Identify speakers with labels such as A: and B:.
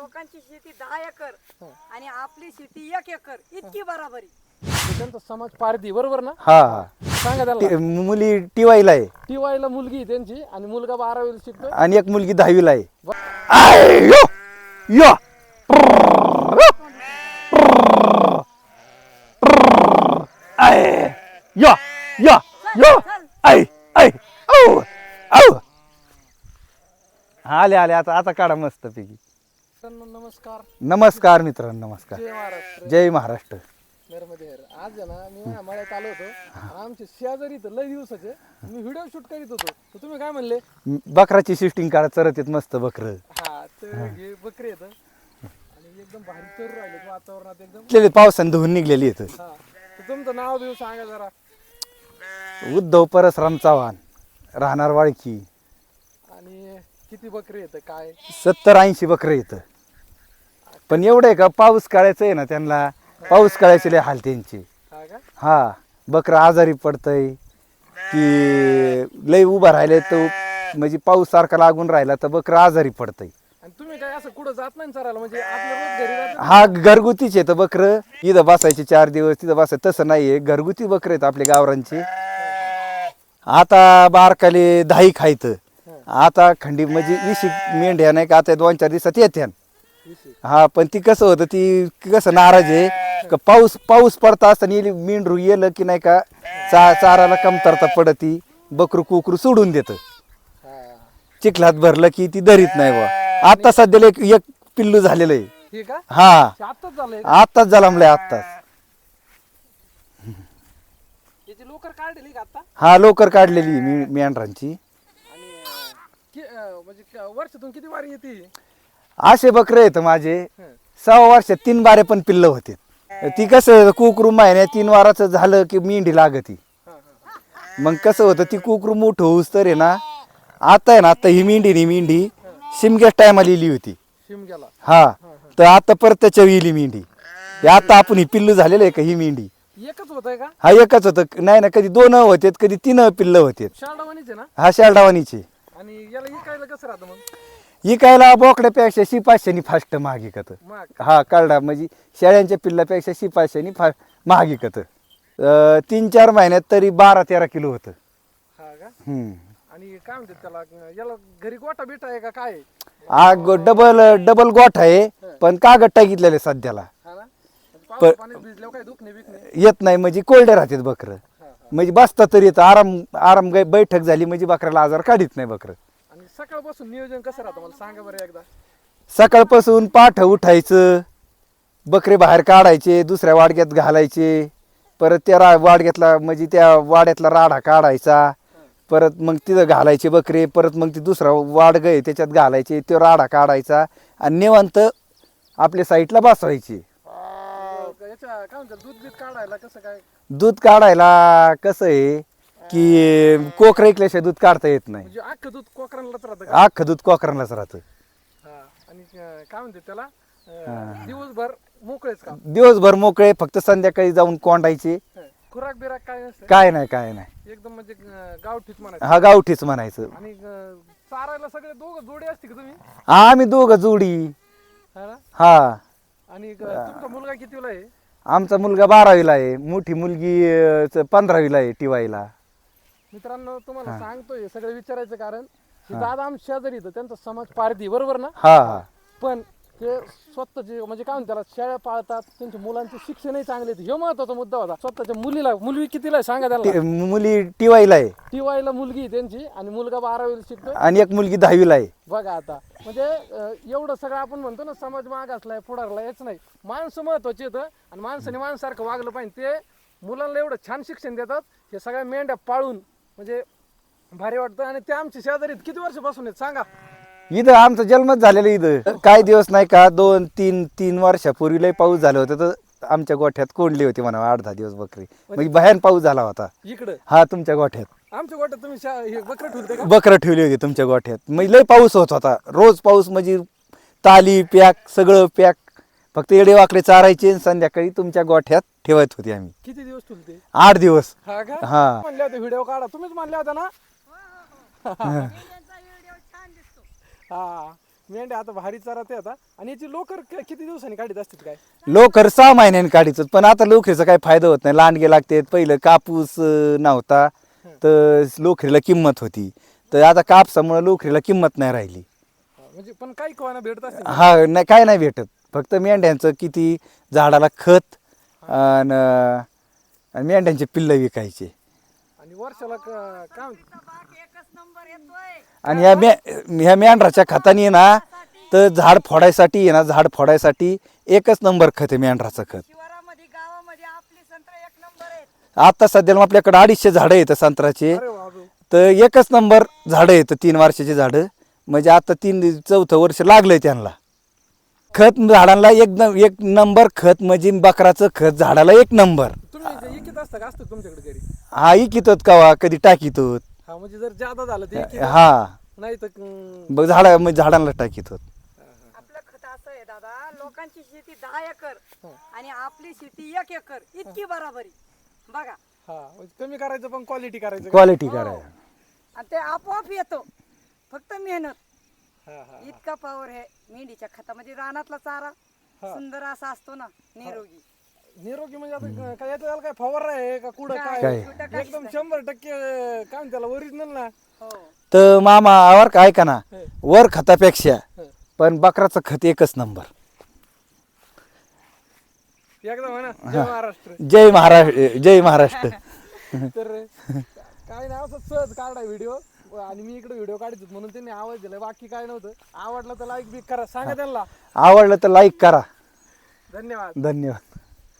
A: लोकांची शेती 10 एकर आणि आपली शेती 1 एकर इतकी बराबरी.
B: त्यांचा समाज पारधी बरोबर ना?
C: हा हा
B: सांगा त्याला.
C: मुली टीवायला आहे
B: टीवायला मुलगी आहे त्यांची आणि मुलगा 12वीला शिकतोय.
C: आणि एक मुलगी 10वीला आहे. आय, यो, यो. आय, यो, यो, यो. आय, आय, औ, औ. आले आले आता आता काढा मस्त पैकी.
B: मित्रांनो, नमस्कार.
C: नमस्कार मित्रांनो, नमस्कार.
B: जय महाराष्ट्र.
C: जय महाराष्ट्र.
B: नर्मदे हर. आज आहे ना मी मळ्यात आलो होतो आणि आमचे शेजारी तर लय दिवसाचे मी व्हिडिओ शूट करीत होतो तर तुम्ही काय म्हणले?
C: बकराची शिफ्टिंग काढा, चरत येत मस्त बकर.
B: हा तर हे बकरी येतं आणि एकदम भारी चरू राहिले वातावरणात एकदम
C: पावसाने धुवून निघलेली येत.
B: हा. तर तुमचं नाव देऊ सांगा जरा.
C: उद्धव परसराम चव्हाण, राहणार वाळकी.
B: आणि किती बकरी येतं काय?
C: 70-80 बकरं येतं. पण एवढं आहे का, पाऊस काढायचं आहे ना त्यांना, पाऊस काढायचे लय हाल त्यांची.
B: हा का?
C: हा, बकरं आजारी पडतंय की लय उभं राहिले तर म्हणजे पाऊस सारखा लागून राहिला तर बकरं आजारी पडतंय.
B: आणि तुम्ही काय असं कुठं जात नाही चरायला म्हणजे आपलं रोज घरी राहतं?
C: हा घरगुतीच येतं बकरं. इथं बसायचे 4 दिवस, तिथं बसायचं तसं नाहीये. घरगुती बकरं आहेत आपल्या गावरांची. आता बारकाले 10 खायचं. आता खंडी म्हणजे 20 मेंढ्या नाही का आता 2-4 दिवसात येत्या. हा, पण ती कसं होतं, ती कसं नाराज आहे का पाऊस पडता असताना मेंढरू येलं की नाही का चाराला कमतरता पडती, बकरू कुकरू सोडून देतं.
B: हा.
C: चिखलात भरलं की ती धरीत नाही बा. आता सध्याला एक पिल्लू झालेलं आहे.
B: हे का?
C: हा,
B: आत्ताच झालंय.
C: आत्ताच जन्मलंय आत्ताच.
B: याची लोकर काढली का आता?
C: हा, लवकर काढलेली मेंढरांची.
B: आणि म्हणजे वर्षातून किती वारी येते?
C: असे बकरे आहेत माझे. 6 वर्षात 3 बारे पण पिल्लं होते. ती कसं कुकरू महिन्यात 3 वाराचं झालं की मेंढी लागती. मग कसं होतं, ती कुकरू मोठं होऊस तर आहे ना, आता आहे ना, आता ही मेंढी शिमग्याच टायमाला लिहिली होती.
B: शिमग्याला.
C: हा, तर आता परत त्याच्या येली मेंढी. हे आता आपण ही पिल्लू झालेलं आहे का ही मेंढी?
B: एकच होत आहे का?
C: हा, एकच होतं. नाही ना, कधी 2 होते, कधी 3 पिल्लं होते.
B: शाळावानीच आहे ना?
C: हा, शालडावानीचे.
B: आणि याला इकायला कसं राहतं मग?
C: इकायला बोकड्यापेक्षा शिपाशांनी फास्ट महाग इकत.
B: मग
C: हा, कळडा म्हणजे शेळ्यांच्या पिल्लापेक्षा शिपाशांनी महाग इकत. 3-4 महिन्यात तरी 12-13 किलो होतं.
B: हा का?
C: हम्म.
B: आणि काय म्हणतात त्याला, याला घरी गोटा बिटा आहे का काय?
C: डबल गोठ आहे, पण कागद टाकीतलेले सध्याला
B: हा ना? म्हणजे पावसा पाण्यात भिजल्यावर काय दुखणे बिकणे?
C: येत नाही. म्हणजे कोरडे राहतात बकरं. म्हणजे बसता तरी येतं. आराम बैठक झाली म्हणजे बकऱ्याला आजार काढीत नाही बकरं.
B: आणि सकाळपासून नियोजन कसं राहतं मला सांगा बरं एकदा.
C: सकाळपासून पाठ उठायचं, बकरे बाहेर काढायचे, दुसऱ्या वाडग्यात घालायचे, परत त्या वाडग्यातला म्हणजे त्या वाड्यातला राडा काढायचा, परत मग तिथं घालायचे बकरे, परत मग ती दुसरा वाडग आहे त्याच्यात घालायचे, तो राडा काढायचा आणि निवांत आपल्या साईडला बसवायचे.
B: याच्या काय म्हणतात दूध बीत काढायला कसं काय?
C: दूध काढायला कसं आहे की कोकरा ऐकल्याशिवाय दूध काढता येत नाही.
B: म्हणजे अख्खं दूध कोकरांलाच राहतं का?
C: अख्खं दूध कोकरांनाच राहतं.
B: हा. आणि काय म्हणतात त्याला दिवसभर मोकळेच का?
C: दिवसभर मोकळे, फक्त संध्याकाळी जाऊन कोंडायचे.
B: खुराक बिराक काय नसतं?
C: काय नाही काय नाही.
B: एकदम म्हणजे गावठीच म्हणायचं.
C: हा, गावठीच म्हणायचं.
B: आणि चारायला सगळे दोघं जोडी असते का तुम्ही?
C: आम्ही दोघं जोडी.
B: हा ना?
C: हा,
B: आणि तुमचा मुलगा कितीला आहे?
C: आमचा मुलगा 12वीला आहे, मोठी मुलगी 15वीला आहे टीवायला.
B: मित्रांनो, तुम्हाला सांगतोय सगळे विचारायचं कारण हे दादा आमच्या शेजारी येतं, त्यांचा समाज पारधी बरोबर ना?
C: हा हा,
B: पण ते स्वतःचे म्हणजे काय म्हणतात त्याला शेळ्या पाळतात, त्यांच्या मुलांचे शिक्षणही चांगले. हे महत्वाचा मुद्दा होता. स्वतःच्या मुलगी कितीला आहे सांगा त्याला?
C: मुली टीवायला आहे
B: टीवायला मुलगी आहे त्यांची आणि मुलगा 12वीला शिकतोय.
C: आणि एक मुलगी 10वीला आहे.
B: बघा आता म्हणजे एवढं सगळं आपण म्हणतो ना समाज माग असलाय पुढारला, हेच नाही, माणसं महत्वाची येतं आणि माणसाने माणसासारखं वागलं पाहिजे. ते मुलांना एवढं छान शिक्षण देतात, हे सगळ्या मेंढ्या पाळून म्हणजे भारी वाटतं. आणि ते आमच्या शेजारीत किती वर्षापासून आहेत सांगा?
C: इथं आमचा जन्मच झालेला इथं. काही दिवस नाही का 2-3 वर्षापूर्वी लय पाऊस झाला होता तर आमच्या गोठ्यात कोंडली होती म्हणा 8-10 दिवस बकरी. म्हणजे भयान पाऊस झाला होता.
B: इकडं
C: हा, तुमच्या गोठ्यात
B: आमच्या गोट्यात तुम्ही हे बकरं ठेवते का?
C: बकरं ठेवली होती तुमच्या गोठ्यात. म्हणजे लय पाऊस होत होता, रोज पाऊस म्हणजे ताली पॅक सगळं पॅक. फक्त येडे वाकडे चारायचे आणि संध्याकाळी तुमच्या गोठ्यात ठेवत होते आम्ही.
B: किती दिवस ठेवते?
C: 8 दिवस.
B: हा का?
C: हा.
B: म्हणले होते व्हिडिओ काढा, तुम्हीच म्हणले होते ना?
A: त्यांचा व्हिडिओ छान दिसतो.
B: हा. मेंढ्या आता भारी चारा ते आता. आणि याची लोकर किती दिवसांनी काढीत असतात काय?
C: लोकर 6 महिन्यांनी काढीत, पण आता लोकरीचा काही फायदा होत नाही. लांडगे लागते. पहिलं कापूस नव्हता तर लोकरीला किंमत होती, तर आता कापसामुळे लोकरीला किंमत नाही राहिली.
B: म्हणजे पण काही कोणाला भेटत असते.
C: हा नाही, काय नाही भेटत. फक्त मेंढ्यांचं किती झाडाला खत आणि मेंढ्यांचे पिल्लं विकायचे.
B: आणि वर्षाला काय म्हणते?
A: बाग एकच नंबर येतोय.
C: आणि ह्या मेंढराच्या खताने ना तर झाड फोडायसाठी एकच नंबर खत आहे मेंढराचं खत.
A: शिवारामध्ये गावामध्ये आपली संत्र एक नंबर आहेत.
C: आता सध्याला आपल्याकडे 250 झाडं आहेत संत्र्याचे,
B: अरे बाबू.
C: तर एकच नंबर झाडं आहेत 3 वर्षाची झाडं. म्हणजे आता 4थं वर्ष लागलंय त्यांना. खत झाडांना एक नंबर खत, म्हणजे बकराचं खत झाडाला 1 नंबर.
B: तुम्ही इकित असता का? असतं तुमच्याकडे घरी?
C: हा इकितोत कवा कधी टाकीतोत.
B: हा म्हणजे जर जादा झालं ते इकित.
C: हा
B: नाही तर
C: बघ झाडांना टाकीतोत.
A: आपलं खत असं आहे दादा, लोकांची शेती 10 एकर आणि आपली शेती 1 एकर इतकी बराबरी. बघा
B: हा म्हणजे कमी करायचं पण क्वालिटी करायचं का?
C: क्वालिटी करायला.
A: आणि ते आपोआप येतो, फक्त मेहनत.
B: हा हा.
A: इतका पावर आहे मेंढीच्या खतामध्ये. रानातला चारा सुंदर असा असतो ना, निरोगी.
B: निरोगी म्हणजे आता काय याचं काय फवारा आहे का कुठं
A: काय?
B: काय?
A: कुठं काहीच
B: एकदम
A: नाही.
B: 100% काय म्हणते त्याला ओरिजिनल ना.
A: हो.
C: तर मामा आवर का ऐका ना,
B: हं.
C: वर खतापेक्षा
B: हं.
C: पण बकराचं खत एकच नंबर.
B: एकदम आहे ना. जय महाराष्ट्र.
C: जय महाराष्ट्र, जय महाराष्ट्र.
B: तर काय नाही, असं सहज काढा व्हिडिओ. आणि मी इकडे व्हिडिओ काढतो म्हणून त्यांनी आवाज दिला, बाकी काय नव्हतं. आवडलं तर लाईक बी करा, सांगा त्यांना.
C: आवडलं तर लाईक करा.
B: धन्यवाद.
C: धन्यवाद.